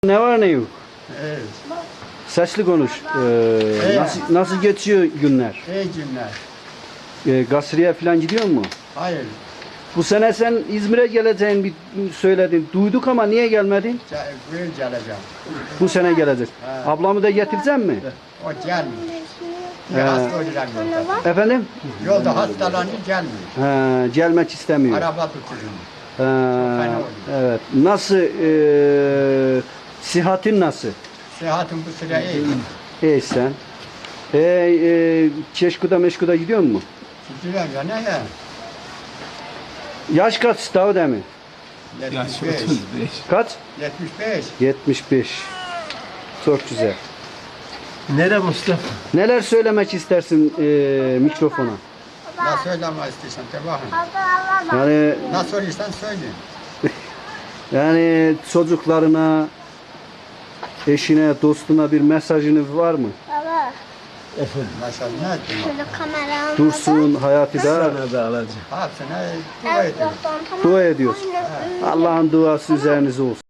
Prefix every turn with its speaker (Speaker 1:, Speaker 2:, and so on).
Speaker 1: Ne var ne yok?
Speaker 2: Evet.
Speaker 1: Saçlı konuş. Nasıl geçiyor günler?
Speaker 2: İyi günler.
Speaker 1: Gasriye falan gidiyor mu?
Speaker 2: Hayır.
Speaker 1: Bu sene sen İzmir'e geleceğini bir söyledin. Duyduk ama niye gelmedin?
Speaker 2: Buyur geleceğim.
Speaker 1: Bu sene gelecek. Ablamı da getirecek mi?
Speaker 2: O gelmiyor. Bir hasta olacak yolda.
Speaker 1: Efendim?
Speaker 2: Yolda hastalanınca gelmiyor.
Speaker 1: Gelmek istemiyor.
Speaker 2: Araba tutuyorum.
Speaker 1: Ha, evet. Nasıl? Sıhhatin nasıl?
Speaker 2: Sıhhatim bu süre iyi.
Speaker 1: İyi sen. Keşkuda meşkuda gidiyor mu?
Speaker 2: Gidiyorum ya ne ya?
Speaker 1: Yaş kaç Davut emi?
Speaker 3: Yaş
Speaker 2: 75.
Speaker 3: 35.
Speaker 1: Kaç?
Speaker 2: 75.
Speaker 1: 75. Çok güzel.
Speaker 3: Nere Mustafa?
Speaker 1: Neler söylemek istersin mikrofona?
Speaker 2: Ne söyleme istiyorsan de bakın.
Speaker 1: Yani
Speaker 2: Ne söylüyorsan söyle.
Speaker 1: yani çocuklarına, eşine, dostuna bir mesajınız var mı?
Speaker 2: Mesela ne ettim?
Speaker 1: Dursun, Hayati da
Speaker 3: Sana da alacağım.
Speaker 2: Hepsine dua ediyorum.
Speaker 1: dua ediyoruz. Allah'ın duası üzerinize olsun.